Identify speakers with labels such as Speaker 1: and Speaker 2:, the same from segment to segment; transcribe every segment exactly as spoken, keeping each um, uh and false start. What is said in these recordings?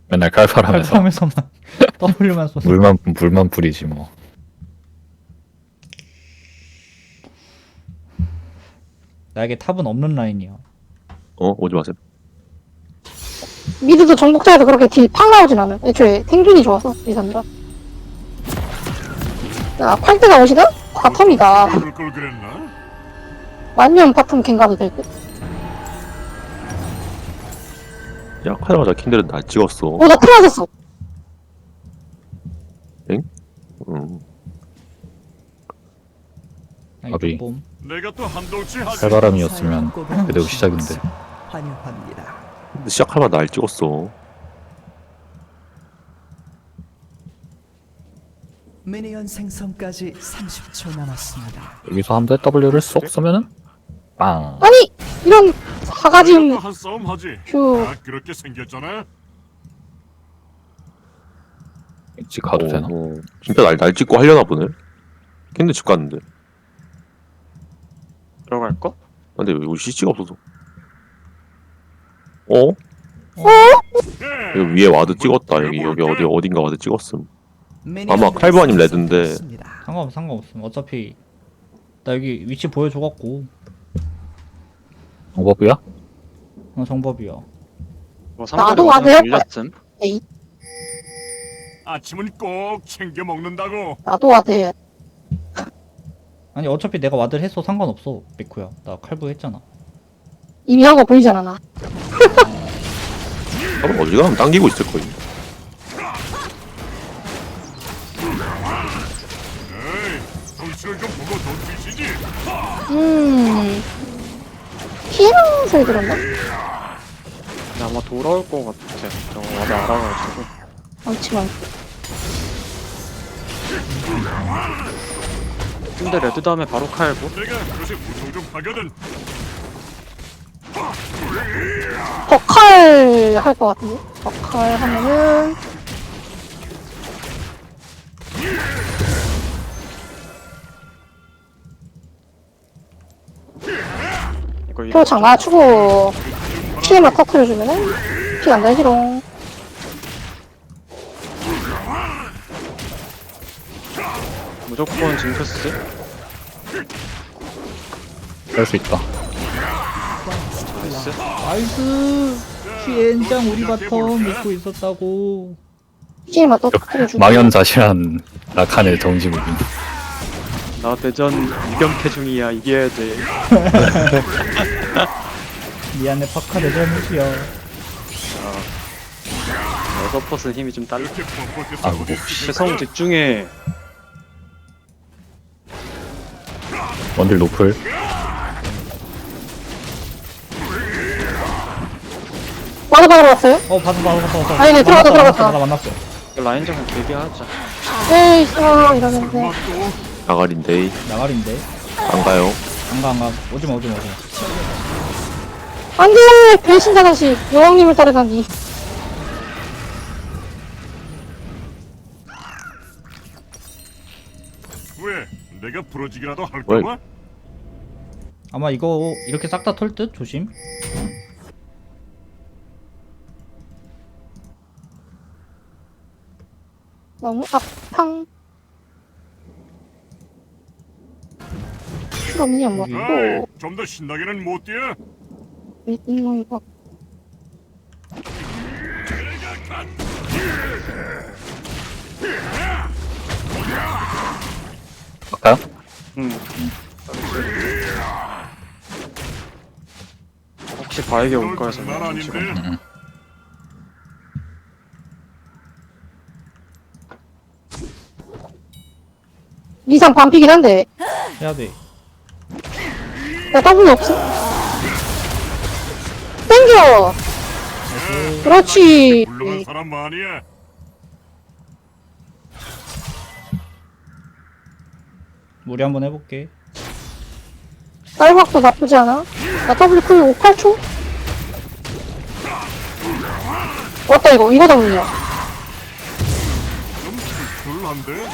Speaker 1: 맨날 칼바람에서
Speaker 2: 칼바람에서만 W만 쏘는.
Speaker 1: 물만 물만 뿌리지 뭐.
Speaker 2: 나에게 탑은 없는 라인이야.
Speaker 3: 어? 오지 마세요.
Speaker 4: 미드도 정복자에서 그렇게 딜 팍 나오진 않아. 애초에 생존이 좋아서 리산드라. 자, 팔대가 오시든 바텀이다.
Speaker 5: 그럴 걸 그랬나?
Speaker 4: 만년 바텀 갱 가도 될 듯.
Speaker 3: 야, 하자마자 킨들은 날 찍었어.
Speaker 4: 오, 나 틀어졌어.
Speaker 3: 음.
Speaker 2: 아니,
Speaker 1: 밥이.
Speaker 2: 뽐.
Speaker 5: 내가 또 한동치 하지.
Speaker 1: 칼바람이었으면 그대로 시작인데.
Speaker 6: 환영합니다.
Speaker 3: 근데 시작하자마자 날 찍었어.
Speaker 6: 미니언 생성까지 삼십 초 남았습니다.
Speaker 1: 여기서 한 대 W를 쏙 쏘면은 빵.
Speaker 4: 아니! 이런 사가지
Speaker 5: 내가
Speaker 4: 없는
Speaker 5: 또한 싸움 하지.
Speaker 4: 휴.
Speaker 5: 아 그렇게 생겼잖아.
Speaker 1: 집 가도 되나?
Speaker 3: 어, 진짜 날, 날 찍고 하려나 보네. 킨들 집 갔는데.
Speaker 7: 들어갈까?
Speaker 3: 근데 왜 여기 씨씨가 없어서. 어?
Speaker 5: 예.
Speaker 3: 여기 위에 와드 찍었다. 여기 여기 어디 어딘가 와드 찍었음. 아마 칼부 아님 레드인데.
Speaker 6: 생성되었습니다.
Speaker 2: 상관없 상관없음. 어차피 나 여기 위치 보여줘갖고.
Speaker 1: 방법이야?
Speaker 2: 어 정법이야.
Speaker 7: 뭐 상대로
Speaker 4: 나도
Speaker 7: 그냥
Speaker 4: 와드야?
Speaker 7: 돌렸음.
Speaker 4: 에이,
Speaker 5: 아침은 꼭 챙겨 먹는다고.
Speaker 4: 나도 와대.
Speaker 2: 아니 어차피 내가 와드를 했어 상관없어. 미쿠야. 나 칼부 했잖아.
Speaker 4: 이미 한 거 보이잖아, 나.
Speaker 3: 바로 어디 가면 당기고 있을 거임.
Speaker 5: 에이, 덩치를 좀 보고 돈 주시지.
Speaker 4: 음. 피해는 소리 들었나?
Speaker 7: 근데 아마 돌아올 것 같아. 저거 와드 알아가지고.
Speaker 4: 많지만.
Speaker 7: 근데 레드 다음에 바로 칼고.
Speaker 5: 내가 요새 무통 좀 하거든.
Speaker 4: 버칼 할 것 같은데? 버칼 하면은.
Speaker 7: 이거 이거
Speaker 4: 표창 맞추고 피해만 터트려주면은 피 안 달지롱.
Speaker 7: 무조건 징크스.
Speaker 1: 할 수 있다.
Speaker 7: 나이스.
Speaker 2: 나이스. 피엔장 우리 바텀 믿고 있었다고.
Speaker 4: 피해만 터트려주고.
Speaker 1: 망연자실한 라칸의 정지무빙.
Speaker 7: 나 대전 이병태 중이야. 이겨야 돼.
Speaker 2: 미안해 파카 내 잘못이야.
Speaker 7: 에서퍼스 힘이 좀 딸려.
Speaker 5: 이렇게 뻣뻣해서
Speaker 1: 아이고.
Speaker 7: 최성 집중해.
Speaker 1: 원딜 노플.
Speaker 4: 와드 받으러 왔어요?
Speaker 2: 어 봤어 봤어 봤어 봤어.
Speaker 4: 아니, 네, 들어갔다,
Speaker 2: 만났어,
Speaker 4: 들어갔다.
Speaker 2: 만났어, 나 만났어.
Speaker 7: 라인전은 길게 하자.
Speaker 4: 에이, 어, 이러는데.
Speaker 5: 설마 또
Speaker 3: 나가린데
Speaker 2: 나가린데.
Speaker 3: 안 가요.
Speaker 2: 안가 안가. 오지마 오지마 오지마.
Speaker 4: 안 돼! 배신자 다시 여왕님을 따르다니.
Speaker 5: 왜? 내가 부러지기라도 할
Speaker 3: 왜?
Speaker 5: 거야?
Speaker 2: 아마 이거 이렇게 싹 다 털 듯 조심.
Speaker 4: 너무 앞팡. 실험이 안
Speaker 2: 여기.
Speaker 4: 맞고.
Speaker 5: 좀 더 신나게는 못 뛰어.
Speaker 4: 이거, 이거.
Speaker 1: 갈까요?
Speaker 7: 응. 혹시 바에게 올까 해서
Speaker 5: 난 아닌데.
Speaker 7: 지금
Speaker 4: 리산 반피긴 한데.
Speaker 2: 해야 돼.
Speaker 4: 나 W 없어? 땡겨! 그렇지.
Speaker 5: 물러간 사람 많이야.
Speaker 2: 무리 한번 해볼게.
Speaker 4: 쌀박도 나쁘지 않아. 나 W 쿨 오, 팔 초? 왔다, 이거. 이거 W야.
Speaker 5: 좀 불불한데?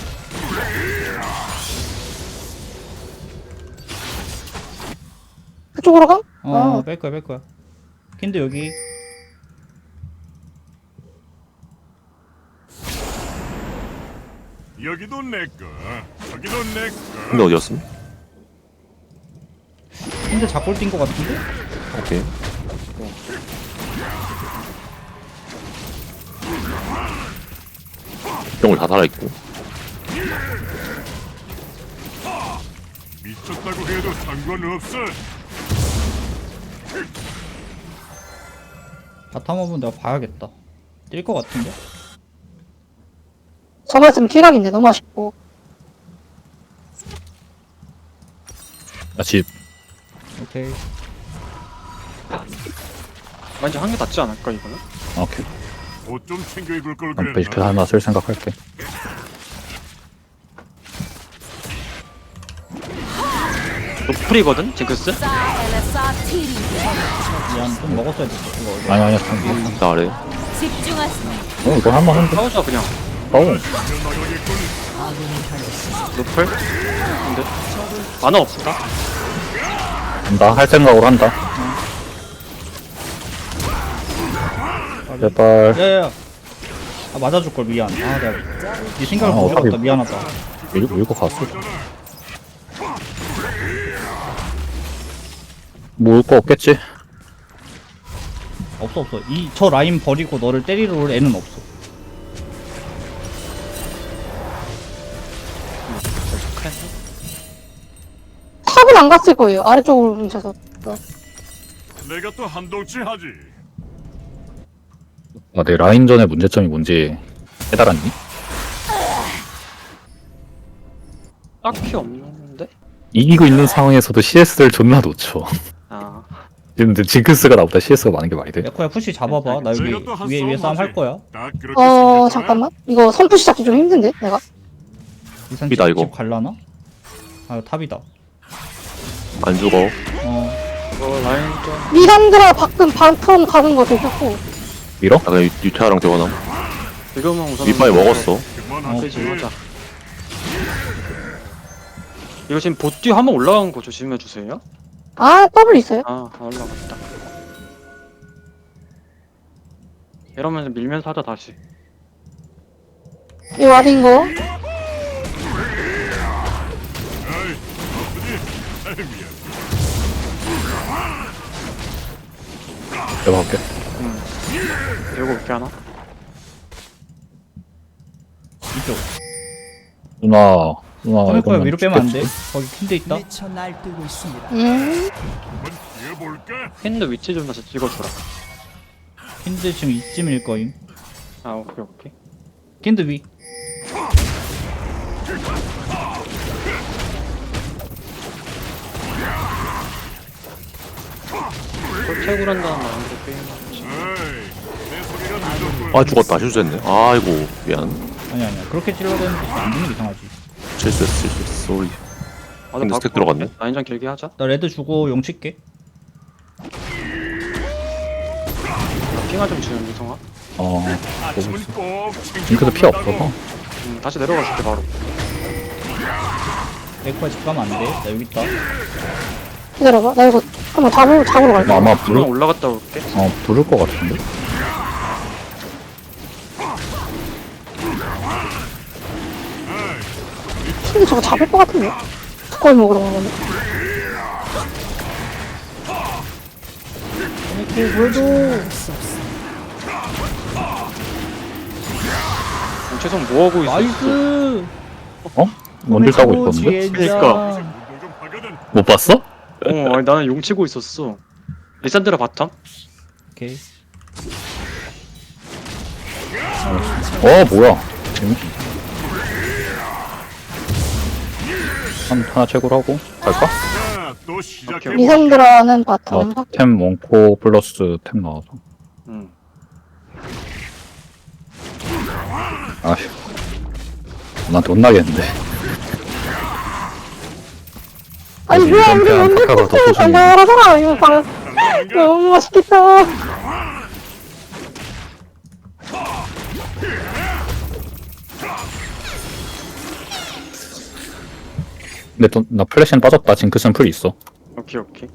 Speaker 4: 그쪽으로 가?
Speaker 2: 어
Speaker 4: 어.
Speaker 2: 뺄 거야 뺄 거야. 킨드 여기.
Speaker 5: 여기도 내 거, 저기도 내 거.
Speaker 3: 근데 어디였음?
Speaker 2: 근데 작골 뛴거 같은데?
Speaker 3: 오케이. 병을 다 살아있고.
Speaker 5: 미쳤다고 해도 상관없어.
Speaker 2: 바텀 업은 내가 봐야겠다. 뛸 거 같은데?
Speaker 4: 저번에 킬각인데 너무 아쉽고.
Speaker 1: 나 집.
Speaker 2: 오케이.
Speaker 7: 왠지 한 개 닿지 않을까 이거는?
Speaker 1: 오케이.
Speaker 5: 옷 좀 챙겨 입을 걸
Speaker 1: 난 벨트
Speaker 5: 그랬나?
Speaker 1: 하나 쓸 생각할게.
Speaker 7: 노플이거든 징크스?
Speaker 2: 미안, 좀 먹었어야 됐어. 이거 어디?
Speaker 1: 아니 아니야. 참.
Speaker 3: 나 아래.
Speaker 8: 집중하세요.
Speaker 1: 어 이거 할만 한데.
Speaker 7: 싸우자 그냥.
Speaker 1: 어.
Speaker 5: 나가겠군.
Speaker 7: 노플? 근데 만화 없다.
Speaker 1: 한다. 할 생각으로 한다. 제발.
Speaker 2: 야야야. 아 맞아줄 걸 미안. 아 내가 네 생각을
Speaker 1: 아,
Speaker 2: 못 해봤다.
Speaker 1: 어차피-
Speaker 2: 미안하다.
Speaker 1: 밀고 밀고 갔어. 모을 거 없겠지?
Speaker 2: 없어 없어. 이 저 라인 버리고 너를 때리러 올 애는 없어.
Speaker 4: 탑은 안 갔을 거예요. 아래쪽으로 뭉쳐서.
Speaker 5: 내가 또 한동치 하지.
Speaker 1: 아, 내 라인전의 문제점이 뭔지 깨달았니?
Speaker 7: 딱히 없는데?
Speaker 1: 이기고 있는 상황에서도 씨에스를 존나 놓쳐.
Speaker 7: 아
Speaker 1: 지금 근데 징크스가 나보다 씨에스가 많은 게 말이 돼?
Speaker 2: 에코야 푸시 잡아봐. 나 여기
Speaker 5: 내가 또 한
Speaker 2: 위에 위에 싸움
Speaker 5: 하지.
Speaker 2: 할 거야.
Speaker 5: 딱 그렇게
Speaker 4: 어,
Speaker 5: 생겼잖아.
Speaker 4: 잠깐만. 이거 선푸시 잡기 좀 힘든데, 내가?
Speaker 2: 이산
Speaker 3: 탑이다,
Speaker 2: 집,
Speaker 3: 이거.
Speaker 2: 집 갈라나? 아 탑이다.
Speaker 3: 안 죽어.
Speaker 2: 어
Speaker 7: 이거 라인 좀
Speaker 4: 미란드라 밖은 반턴 가는 거 되셨고.
Speaker 1: 밀어?
Speaker 3: 나 그냥 유- 유태아랑 대원함.
Speaker 7: 지금은 우선
Speaker 3: 밑바위 먹었어.
Speaker 5: 그만하지.
Speaker 7: 그지 하자. 이거 지금 보띠 한번 올라간 거 조심해 주세요.
Speaker 4: 아, 더블 있어요?
Speaker 7: 아, 다 올라갔다. 이러면 밀면서 하자 다시.
Speaker 4: 이 와린 거.
Speaker 5: 아이, 아프지? 아이, 미안.
Speaker 1: 내가 할게.
Speaker 7: 이거 어떻게 하나?
Speaker 2: 이쪽.
Speaker 1: 누나, 누나
Speaker 2: 어, 에코야
Speaker 1: 이거는
Speaker 2: 위로 빼면 안 돼.
Speaker 1: 죽겠지?
Speaker 2: 거기 킨드 있다.
Speaker 6: 미쳐 날뛰고 있습니다.
Speaker 4: 음.
Speaker 5: 한번 뛰어볼까?
Speaker 7: 핸드 위치 좀 다시 찍어주라.
Speaker 2: 킨드 지금 이쯤일 거임.
Speaker 7: 아, 오케이, 오케이.
Speaker 2: 킨드 위.
Speaker 7: 콜책을 한다는 마음으로 게임하지.
Speaker 5: 아이, 내 소리가 늦었군.
Speaker 3: 아 죽었다. 실수했네. 아이고 미안.
Speaker 2: 아니 아니야. 그렇게 찔러야 되는데 안 되는 게 이상하지.
Speaker 3: 실수했어. 실수했어. 쏘리.
Speaker 7: 아,
Speaker 3: 근데 스택 들어갔네.
Speaker 7: 라인전 길게 하자.
Speaker 2: 나 레드 주고 용 칠게.
Speaker 7: 나 핑화 좀 주는 미성아.
Speaker 1: 어,
Speaker 5: 아침은 꼭 챙겨
Speaker 1: 징크스 피
Speaker 5: 먹는다고.
Speaker 1: 없어서.
Speaker 7: 음, 다시 내려갔을 때 바로.
Speaker 2: 에코야 집 가면 안 돼. 나 여기 있다.
Speaker 4: 기다려봐. 나 이거 한번 잡으러, 잡으러 갈게.
Speaker 1: 나 아마
Speaker 7: 그냥
Speaker 1: 부를,
Speaker 7: 올라갔다 올게.
Speaker 1: 어, 부를 것 같은데?
Speaker 4: 근데 저거 잡을 것 같은데? 두꺼비 먹으러 가는 건데.
Speaker 2: 에코 그래도.
Speaker 7: 음, 최성 뭐하고 있어?
Speaker 2: 나이스.
Speaker 1: 어? 원딜 따고 있었는데?
Speaker 7: 그러니까.
Speaker 5: 운동 좀 하거든.
Speaker 1: 못 봤어?
Speaker 7: 어, 아니, 나는 용 치고 있었어. 리산드라 바텀?
Speaker 2: 오케이.
Speaker 1: 어, 뭐야. 재밌 한, 하나 채굴 하고 갈까?
Speaker 5: 자, 또 시작해.
Speaker 7: 오케이.
Speaker 4: 미산드라는
Speaker 1: 나
Speaker 4: 바텀.
Speaker 1: 템 원코 플러스 템 나와서.
Speaker 7: 응.
Speaker 1: 아휴. 나한테 혼나겠는데.
Speaker 4: 아니, 뭐야, 우리
Speaker 1: 미산드라는
Speaker 4: 원딜
Speaker 1: 카카가 더
Speaker 4: 코트
Speaker 1: 소중해.
Speaker 4: 달달하잖아. 이거 방, 너무 맛있겠다.
Speaker 1: 근데 또, 나 플래시는 빠졌다. 징크스는 풀 있어.
Speaker 7: 오케이, 오케이.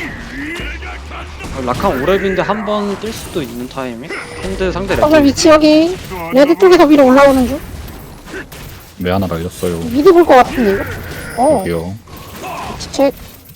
Speaker 7: 어, 라칸 오랩인데 한 번 뛸 수도 있는 타이밍? 핸드 상대
Speaker 4: 더블
Speaker 7: 레드.
Speaker 4: 위치 여기. 레드 쪽에서 위로 올라오는 중.
Speaker 1: 왜 하나 날렸어요.
Speaker 4: 미드 볼 것 같은데 이거? 어
Speaker 1: 여기요.
Speaker 4: 책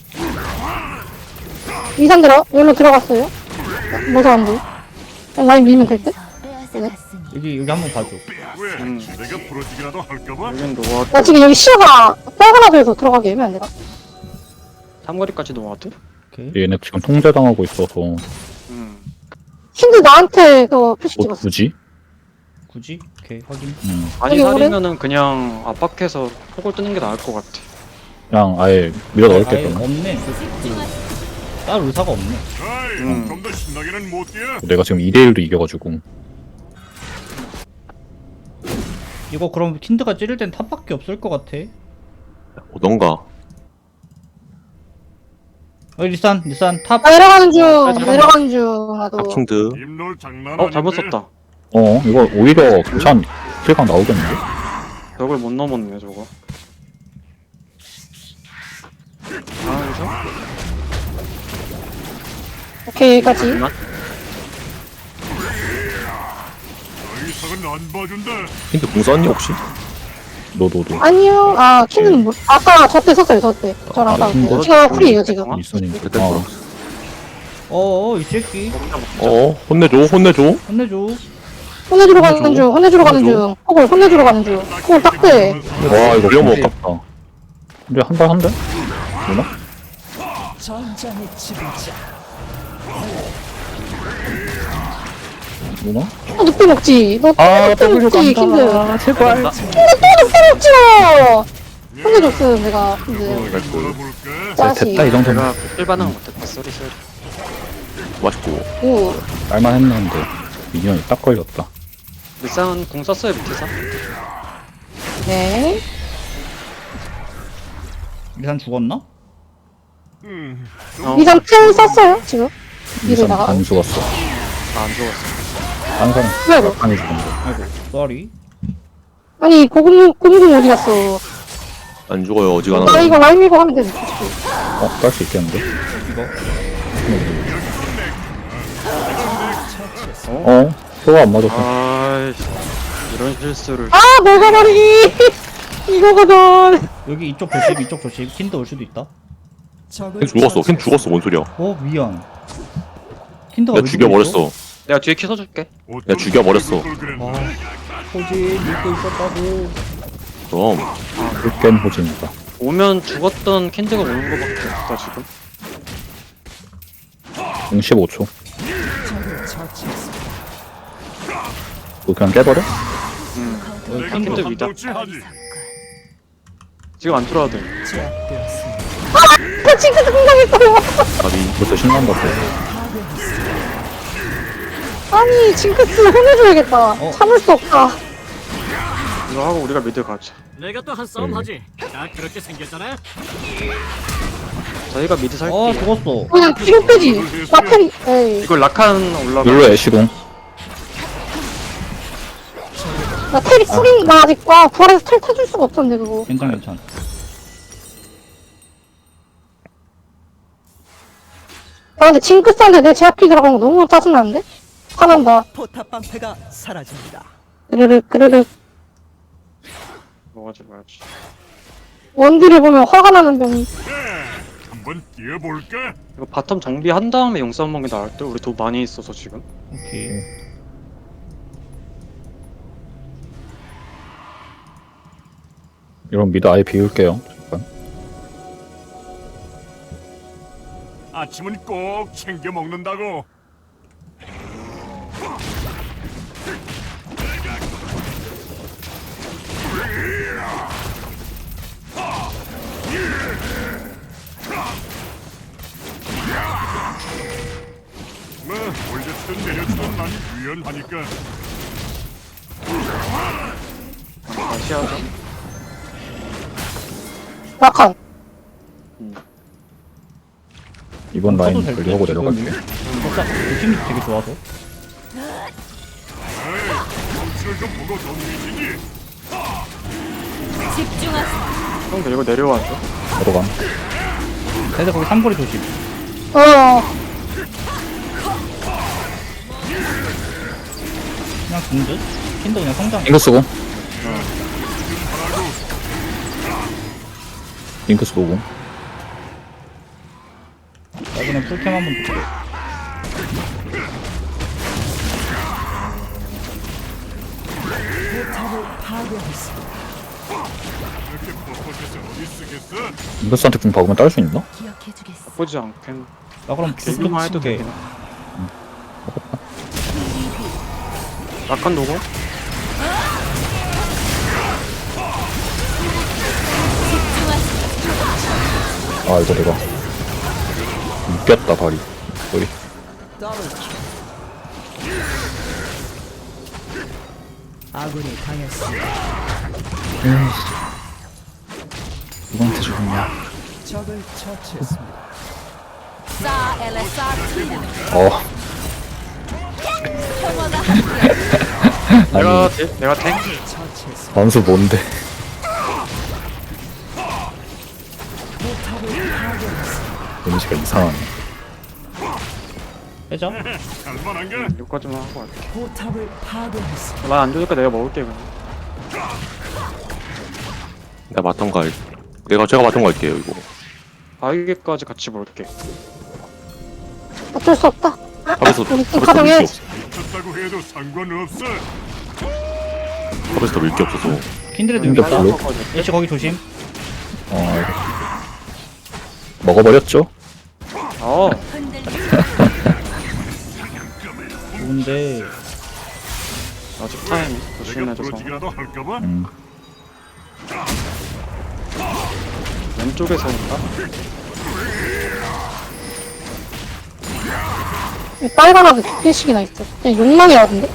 Speaker 4: 이산 들어 여기로 들어갔어요. 뭐서 안 돼? 라인 밀면 될 듯? 네.
Speaker 2: 여기 여기 한번 봐줘.
Speaker 5: 왜?
Speaker 7: 음.
Speaker 5: 내가 부러지기라도 할까봐?
Speaker 7: 여긴 노아드.
Speaker 4: 나 지금 여기 시야가 빨간하고 해서 들어가게 하면 안 되나?
Speaker 7: 삼거리까지 노아드?
Speaker 2: 오케이.
Speaker 1: 얘네 지금 통제당하고 있어서 뭐
Speaker 7: 음.
Speaker 4: 힌드 나한테 그 표시 찍었어.
Speaker 1: 굳이?
Speaker 2: 굳이? 오케이 확인.
Speaker 1: 음,
Speaker 7: 많이
Speaker 4: 여기 오른-
Speaker 7: 살이면은 그냥 압박해서 폭을 뜨는 게 나을 것 같아.
Speaker 1: 그냥 아예 밀어 넣을게
Speaker 2: 아예
Speaker 1: 그러면.
Speaker 2: 없네. 그, 그, 딸 의사가 없네.
Speaker 5: 아이,
Speaker 7: 음.
Speaker 5: 좀 더 신나게는 못 뛰어.
Speaker 1: 내가 지금 이 대 일로 이겨가지고
Speaker 2: 이거 그럼 킨드가 찌를 땐 탑밖에 없을 것 같아.
Speaker 3: 오던가.
Speaker 2: 어 리산 리산 탑.
Speaker 4: 나 내려가는 중
Speaker 7: 잠깐만.
Speaker 4: 내려가는 중 나도.
Speaker 3: 합충드.
Speaker 5: 입놀 장난
Speaker 7: 어 잘못
Speaker 5: 아닌데?
Speaker 7: 썼다.
Speaker 1: 어 이거 오히려 괜찮 킬각 나오겠는데?
Speaker 7: 벽을 못 넘었네 저거. 아 그죠?
Speaker 4: 오케이 여기까지.
Speaker 7: 잠깐만.
Speaker 5: 더 이상은 안 봐준다.
Speaker 3: 힌트 공 썼니 혹시?
Speaker 1: 너너도
Speaker 4: 아니요. 아 킨드는 뭐 아까 저때 썼어요 저때. 저랑
Speaker 1: 아,
Speaker 4: 싸우고.
Speaker 1: 킨드?
Speaker 4: 지금 쿨이에요 지금.
Speaker 1: 있으니까.
Speaker 3: 그때
Speaker 1: 어.
Speaker 2: 어어 이 새끼.
Speaker 3: 어 혼내줘 혼내줘.
Speaker 2: 혼내줘.
Speaker 4: 혼내주러 가는 중. 혼내주러 가는 중. 폭을 혼내주러 가는 중. 폭을 딱대.
Speaker 1: 와 이거 너무 아깝다. 근데 한 발 한대? 누나?
Speaker 6: 전장의 지배자.
Speaker 1: 누나?
Speaker 4: 또 늑대 먹지. 너
Speaker 1: 아
Speaker 4: 늑대
Speaker 1: W
Speaker 4: 먹지 킨드.
Speaker 1: 간다. 제발.
Speaker 4: 킨드 또 늑대 먹지로. 혼내줬음 내가 킨드.
Speaker 5: 놀아볼까?
Speaker 4: 짜식.
Speaker 1: 됐다 이 정도면
Speaker 7: 내가 일 반응 못했다. 쏘리 쏘리.
Speaker 3: 맛있고.
Speaker 4: 오.
Speaker 1: 말만 했는데 미니언이 딱 걸렸다.
Speaker 7: 리쌍은 궁 썼어요 밑에서.
Speaker 4: 네.
Speaker 2: 리산 죽었나?
Speaker 5: 음,
Speaker 7: 어.
Speaker 4: 이상 펜 썼어요 지금.
Speaker 1: 이선
Speaker 4: 이러다가.
Speaker 1: 안 죽었어.
Speaker 7: 아, 안 죽었어.
Speaker 1: 한 사람
Speaker 4: 왜 너?
Speaker 1: 안 죽은데.
Speaker 2: 아이고 쏘리.
Speaker 4: 아니 고금 고금 어디 갔어?
Speaker 3: 안 죽어요
Speaker 4: 나
Speaker 3: 어지간하면.
Speaker 4: 이거 라임 이거 하면 되지.
Speaker 1: 어? 깔 수 있겠는데?
Speaker 2: 이거.
Speaker 1: 어? 표가 안 맞았어.
Speaker 7: 아이씨. 이런 실수를.
Speaker 4: 아 먹어버리기. 이거거든.
Speaker 2: 여기 이쪽 조심 이쪽 조심. 킨드 올 수도 있다.
Speaker 3: 걘 죽었어. 걔 죽었어. 뭔 소리야?
Speaker 2: 어 미안. 킨드가
Speaker 3: 내가
Speaker 2: 왜
Speaker 3: 죽여버렸어.
Speaker 7: 내가 뒤에 키 써줄게.
Speaker 3: 야, 죽여버렸어.
Speaker 2: 아 호진 믿고 있었다고.
Speaker 3: 그럼
Speaker 1: 깬 호진이다.
Speaker 7: 오면 죽었던 캔드가 오는 거밖에 없다 지금.
Speaker 1: 공 십오 초.
Speaker 6: 적을 처치했습니다.
Speaker 1: 이거 그냥 깨버려?
Speaker 7: 음.
Speaker 2: 여기
Speaker 5: 내가
Speaker 2: 킨드
Speaker 5: 또
Speaker 2: 위다.
Speaker 5: 한동치하지.
Speaker 7: 지금 안 들어와도 돼.
Speaker 6: 제압되었습니다.
Speaker 4: 그 징크스 공격했어요.
Speaker 3: 아니
Speaker 1: 벌써 신난다 또.
Speaker 4: 아니 징크스 혼내줘야겠다.
Speaker 2: 어.
Speaker 4: 참을 수 없다.
Speaker 7: 이거 하고 우리가 미드 가자.
Speaker 8: 내가 또 한 싸움 하지. 나 그렇게 생겼잖아.
Speaker 7: 저희가 미드 살게.
Speaker 2: 어 죽었어.
Speaker 4: 그냥 뒤로 빼지. 나펜 에이.
Speaker 7: 이거 라칸 올라가.
Speaker 1: 룰루 애쉬공.
Speaker 4: 나 텔이 쿨인 나 아직 와 부활해서 텔 타줄 수가 없었는데 그거.
Speaker 2: 괜찮 괜찮.
Speaker 4: 아 근데 징크스한테 내 제압기 들어간 거 너무 짜증나는데? 화난다.
Speaker 6: 포탑 방패가 사라집니다.
Speaker 4: 그르륵 그르륵.
Speaker 7: 먹어지 말지.
Speaker 4: 원딜을 보면 화가 나는 병이.
Speaker 5: 한번 뛰어볼까?
Speaker 7: 이거 바텀 정비한 다음에 용싸움 먹는 게 나을 때 우리 돈 많이 있어서 지금.
Speaker 2: 오케이.
Speaker 1: 이런 미드 아예 비울게요. 잠깐.
Speaker 5: 아침은 꼭 챙겨 먹는다고. 뭐 올려주든 내려주든 난 유연하니까.
Speaker 7: 다시 하자.
Speaker 4: 라칸.
Speaker 1: 이번 라인
Speaker 2: 써도 될 듯?
Speaker 1: 분리하고 내려갈게.
Speaker 2: 살짝 느낌이 되게 좋아서.
Speaker 5: 에이, 정치를 좀 보고 던지시지.
Speaker 7: 형 데리고 내려와줘.
Speaker 1: 내려감.
Speaker 2: 그래서 거기 삼거리 조심.
Speaker 4: 어.
Speaker 2: 그냥 킨드? 킨드 그냥 성장.
Speaker 1: 잉크 쓰고. 링크스 오공.
Speaker 2: 나 그냥 풀캠 한번 볼게.
Speaker 6: 포탑을 파괴했습니다.
Speaker 5: 이렇게 뻣뻣해서 어디 쓰겠어?
Speaker 1: 링크스한테 궁 박으면 딸 수 있나?
Speaker 7: 나쁘지 않겠.
Speaker 2: 나 그럼
Speaker 7: 딜로만 해도
Speaker 2: 게
Speaker 7: 되긴. 라칸 노고.
Speaker 1: 아 이거 내가 웃겼다 발이. 소리.
Speaker 6: 더블킬. 아군이 당했습니다.
Speaker 1: 누구한테 죽었냐?
Speaker 6: 적을 처치했습니다.
Speaker 1: 어.
Speaker 7: 내가
Speaker 1: 아니
Speaker 7: 딜, 내가 탱.
Speaker 6: 처치했습니다.
Speaker 1: 반수 뭔데?
Speaker 6: 포탑을 파괴했습니다.
Speaker 1: 데미지가 이상하네.
Speaker 2: 빼자.
Speaker 5: 할만한가?
Speaker 7: 여기까지만 하고 갈게.
Speaker 6: 포탑을 파괴했습니다.
Speaker 7: 나안 좋으니까 내가 먹을게 그냥.
Speaker 3: 내가 바텀 갈 내가 제가 바텀 갈게요 이거.
Speaker 7: 바위게까지 같이 볼게.
Speaker 4: 어쩔 수 없다.
Speaker 3: 탑에서
Speaker 4: 우리 팀
Speaker 3: 탑에서 밀게
Speaker 4: 가동해야지.
Speaker 3: 없어.
Speaker 5: 미쳤다고 해도 상관없어.
Speaker 3: 탑에서 밀게 없어서.
Speaker 2: 킨드레드
Speaker 1: 킨드
Speaker 2: 여기 있다.
Speaker 1: 별로?
Speaker 2: 애쉬 거기 조심.
Speaker 1: 어 알겠어. 먹어버렸죠?
Speaker 7: 어.
Speaker 2: 좋은데
Speaker 7: 아직 타이밍
Speaker 5: 내가
Speaker 7: 조심해줘서.
Speaker 5: 부러지기라도 할까봐?
Speaker 1: 음.
Speaker 7: 왼쪽에서 온다.
Speaker 4: 이 빨간하게 두 개씩이나 있어. 그냥 욕망이라던데?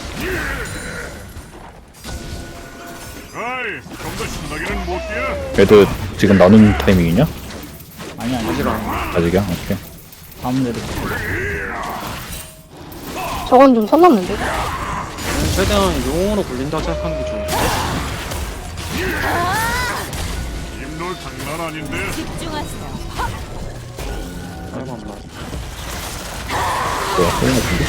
Speaker 5: 아이, 좀 더 신나게는 못 뛰어.
Speaker 1: 애들 지금 나눈 타이밍이냐?
Speaker 2: 아니 아니
Speaker 7: 아직 안.
Speaker 1: 아직이야? 오케이.
Speaker 2: 다음 내로.
Speaker 4: 저건 좀 선 넘는데?
Speaker 7: 최대한 용으로 굴린다 생각하는 게 좋은데.
Speaker 5: 입놀 장난 아닌데.
Speaker 7: 아이고 안 나.
Speaker 1: 뭐야? 소리 같은데?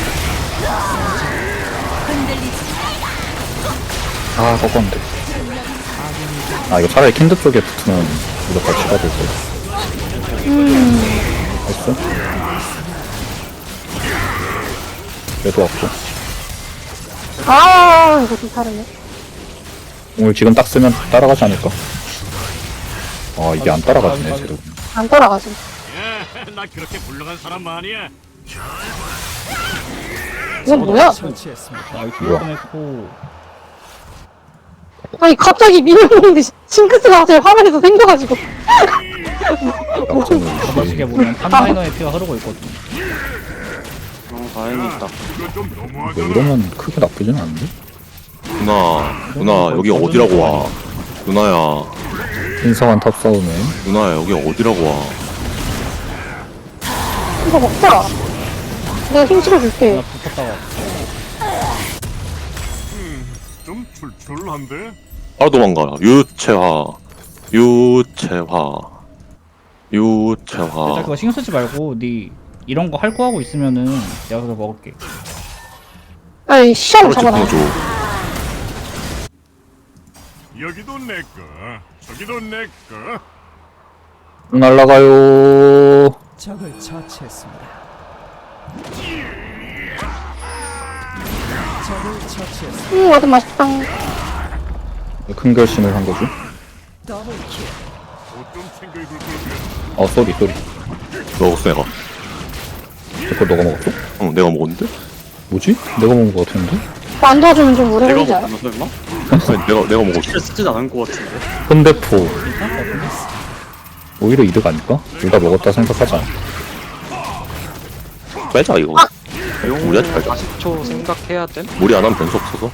Speaker 1: 아 꺾었는데. 아 이거 차라리 킨드 쪽에 붙으면 무조건 치가 될 거야.
Speaker 4: 음,
Speaker 1: 됐어? 얘도 왔고.
Speaker 4: 아, 이거 좀 다르네.
Speaker 1: 오늘 지금 딱 쓰면 따라가지 않을까? 아 이게 안 따라가지네 쟤도.
Speaker 4: 안 돌아가지.
Speaker 8: 예, 나 그렇게 불러간 사람 아니야.
Speaker 4: 이건 뭐야?
Speaker 6: 처치했습니다.
Speaker 2: 아 이거
Speaker 1: 뭐야?
Speaker 2: 꺼냈고.
Speaker 4: 아니, 갑자기 밀어보는데 징크스가 갑자기 화면에서 생겨가지고.
Speaker 2: 가만히게 보면 탑라이너의 피가 흐르고 있거든.
Speaker 7: 어 다행이다.
Speaker 5: 이거 좀
Speaker 1: 뭐
Speaker 5: 너무하잖아.
Speaker 1: 이러면 크게 나쁘진 않은데?
Speaker 3: 누나 누나 여기 어디라고 와. 누나야
Speaker 1: 신성한 탑 싸움에
Speaker 3: 누나야 여기 어디라고 와.
Speaker 4: 이거 먹자. 내가 힘 실어줄게.
Speaker 2: 나 붙었다가
Speaker 5: 좀 출출한데?
Speaker 3: 바로 도망가. 유채화 유채화
Speaker 2: 일단
Speaker 3: 유채화.
Speaker 2: 그거 신경 쓰지 말고 네 이런 거 할 거 하고 있으면은 내가 그거 먹을게.
Speaker 4: 아니, 시험
Speaker 3: 바로
Speaker 4: 잡아놔.
Speaker 3: 집중해줘.
Speaker 5: 여기도 내 거, 저기도 내 거.
Speaker 1: 날라가요.
Speaker 6: 적을 처치했습니다. 적을 처치했습니다.
Speaker 4: 음, 와도 맛있다.
Speaker 1: 큰 결심을 한 거지.
Speaker 6: 더블킬.
Speaker 5: 옷좀 챙겨 입을 거야.
Speaker 1: 어 쏘리 쏘리.
Speaker 3: 먹었어 내가.
Speaker 1: 그거 너가 먹었어?
Speaker 3: 응 내가 먹었는데?
Speaker 1: 뭐지? 내가 먹은 거 같은데?
Speaker 4: 뭐안 도와주면 좀 오래
Speaker 7: 내가
Speaker 4: 걸리지 않아?
Speaker 7: 먹었나 설마?
Speaker 3: 아니, 내가 내가 먹었어.
Speaker 7: 스킬 쓰진 않은 것 같은데.
Speaker 1: 현대포. 오히려 이득 아닐까? 둘 다 먹었다 생각하자.
Speaker 3: 빼자 이거.
Speaker 7: 용을
Speaker 3: 우리한테 팔자.
Speaker 7: 사십 초 생각해야 돼?
Speaker 3: 무리 안 하면 변수 없어서.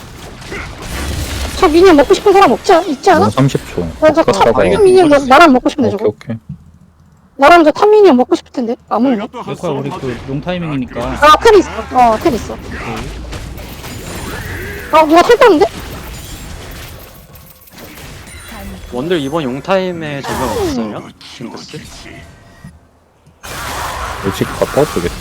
Speaker 4: 저 미니언 먹고 싶은 사람 없지, 않- 있지 않아?
Speaker 1: 넌 삼십 초.
Speaker 4: 나 저거 탑
Speaker 1: 갔다가
Speaker 4: 미니언 나- 나랑 먹고 싶은데,
Speaker 1: 오케이
Speaker 4: 저거.
Speaker 1: 오케이.
Speaker 4: 나랑 저 탑 미니언 먹고 싶을 텐데. 안 먹네.
Speaker 5: 내가 또한
Speaker 2: 내 거야 우리
Speaker 5: 싸움
Speaker 2: 그
Speaker 5: 하지.
Speaker 2: 용 타이밍이니까.
Speaker 4: 아, 텔 있어. 어, 텔 있어. 아, 누가 텔 떴는데?
Speaker 7: 원들 이번 용타임에 적용 없어요? 징크스?
Speaker 1: 일찍 갔다 왔겠지?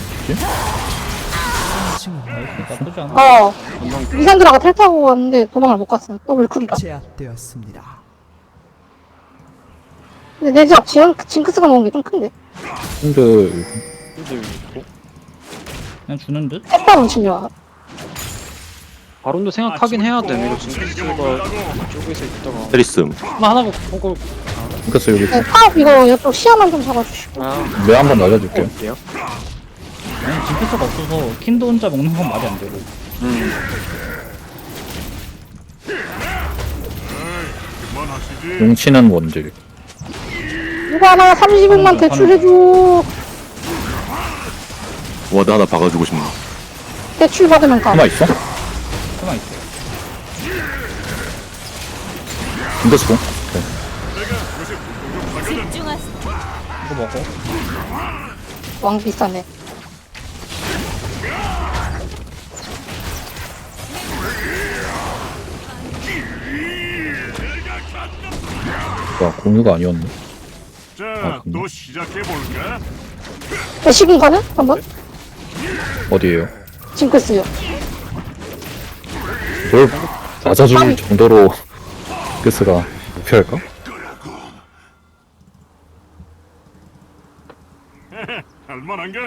Speaker 2: 나쁘지 않아.
Speaker 4: 어. 리산드라가 텔 타고 왔는데 도망을 못 갔어. 더블 쿨이라.
Speaker 6: 제압되었습니다.
Speaker 4: 근데 내 집 지금 징크스가 먹은 게 좀 큰데.
Speaker 1: 킨드
Speaker 7: 근데 여기 있고.
Speaker 2: 그냥 주는 듯?
Speaker 4: 햇바람 치려.
Speaker 7: 바론도 생각하긴 해야 되네. 이거 지금
Speaker 5: 생기면
Speaker 7: 징크스가
Speaker 5: 몰라고.
Speaker 7: 이쪽에서 있다가.
Speaker 3: 테리슴.
Speaker 7: 하나 하나 보고.
Speaker 1: 징크스 여기
Speaker 4: 네, 파업 이거 이쪽 시야만 좀 잡아주시고.
Speaker 7: 아,
Speaker 1: 뇌 한번 날려줄게요.
Speaker 7: 볼게요.
Speaker 2: 아니 징크스가 없어서 킨드 혼자 먹는 건 말이 안 되고.
Speaker 7: 음.
Speaker 5: 그만하시지.
Speaker 1: 용치는 원딜.
Speaker 4: 누가 하나 삼십억만 대출해줘.
Speaker 3: 와드 하나 박아주고 싶네.
Speaker 4: 대출 받으면 가.
Speaker 1: 하나 있어?
Speaker 2: 가만 있어.
Speaker 1: 징크스 공?
Speaker 2: 이거 먹어.
Speaker 4: 왕 비싸네.
Speaker 1: 와 공유가 아니었네.
Speaker 5: 자,
Speaker 1: 아, 근데?
Speaker 5: 또 시작해 볼까?
Speaker 4: 대시금 가는? 한번?
Speaker 1: 어디에요?
Speaker 4: 징크스요.
Speaker 1: 뭘 맞아줄 정도로 징크스가 목표할까?
Speaker 5: 할만한가?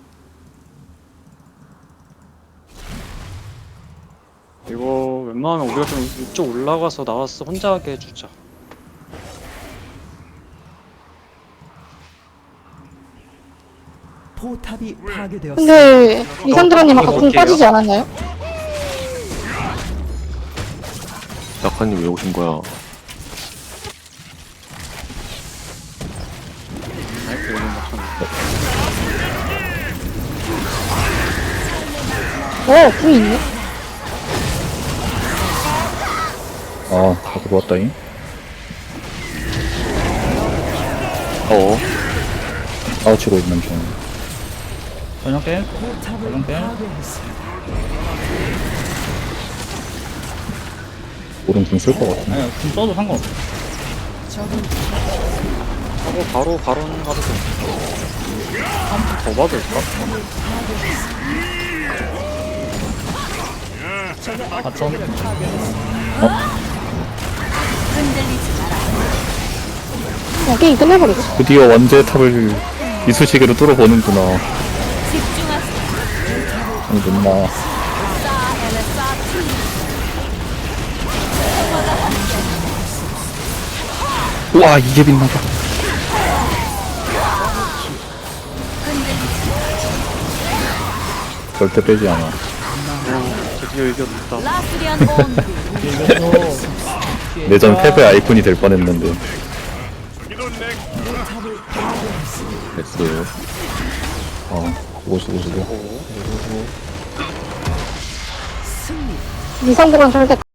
Speaker 7: 이거 웬만하면 우리가 좀 이쪽 올라가서 나와서 혼자 하게 해주자.
Speaker 6: 포탑이 파괴되었습니다.
Speaker 4: 근데 이산드라님 아까 공
Speaker 7: 어떡해요?
Speaker 4: 빠지지 않았나요?
Speaker 3: 낙하님 왜 오신 거야?
Speaker 7: 아이고, 여기 맞췄네.
Speaker 4: 어, 궁 있네.
Speaker 1: 아, 다 들어왔다잉.
Speaker 3: 어.
Speaker 1: 싸우치고 있는 중.
Speaker 2: 전혀 깰?
Speaker 6: 포탑을
Speaker 2: 전혀 깰?
Speaker 6: 파괴했습니다.
Speaker 1: 오른 궁쓸 것 같아.
Speaker 2: 아니 금 써도 상관없어.
Speaker 7: 하고 바로 바론 가도 돼. 한번 더 받을까?
Speaker 2: 바텀.
Speaker 4: 그냥 게임 끝내버리고.
Speaker 1: 드디어 원제 탑을 이쑤시개로 뚫어보는구나. 아니, 눈나. 우와, 이게 빛나다. 절대 빼지 않아.
Speaker 7: 드디어 이겼다.
Speaker 2: 이것도
Speaker 1: 내전 패배 아이콘이 될 뻔했는데.
Speaker 5: 이도 내
Speaker 3: 됐어요.
Speaker 1: 어, 수고, 수고, 수고.
Speaker 4: 이산드라는 절대